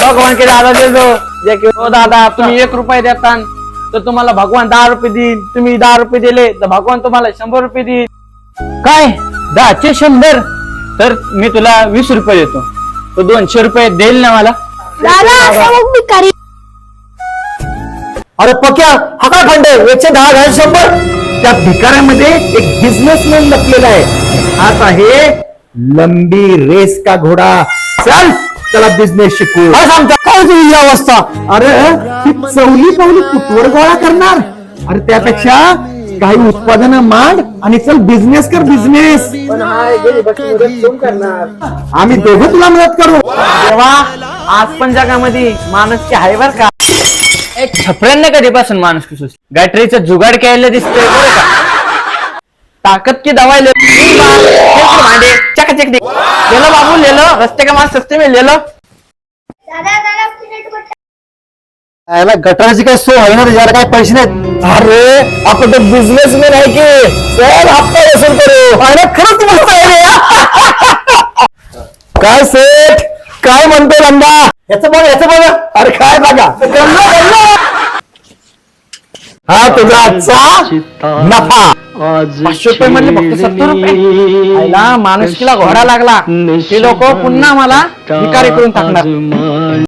भगवान के दादा दे दो जे की हो दादा तुम्ही 1 रुपये देता तर तुम्हाला भगवान 10 रुपये देईल, तुम्ही 10 रुपये दिले तर भगवान तुम्हाला 100 रुपये देईल. काय 10चे 100? तर मी तुला 20 रुपये देतो, तो 200 रुपये देईल ना मला? दादा असा मग भिकारी. अरे पक्या हा काय फंड आहे? 110 घाल 100. त्या भिकाऱ्यामध्ये एक बिझनेसमॅन लपलेला आहे. हाच आहे लंबी रेस का घोडा. चल त्याला बिझनेस शिकू. काय सांगता काय तुझी अवस्था? अरे ती चवली पावली कुठवर गोळा करणार? अरे त्यापेक्षा काही उत्पादनं मांड आणि चल बिझनेस कर बिझनेस. आम्ही दोघं तुला मदत करू. तेव्हा आज पण जगामध्ये माणूस की आहे बर का. एक छपऱ्यांना कधीपासून माणूस की सुचली? गॅटरीचं जुगाड केलं दिसतंय बरं का. ताकत की दवाई ले भांडे चकाचक दे ले लो बाबू ले लो, रस्ते का माल सस्ते में ले लो. दादा प्लेट बटा. याला गटाराची काय सोय आहे ना? याला काय पैसे नाहीत. अरे आपण तो बिझनेसमॅन आहे की चल हप्ता वसूल करू. अरे खरंच मस्त आहे रे. काय सेठ काय म्हणतो लंबा? याचं बघा अरे काय बघा. हा तुझा आजचा नफा. 500 रुपये म्हणले फक्त 70 रुपये. आईला माणुसकीला घोडा लागला. हे लोक पुन्हा मला भिकारी करून टाकणार.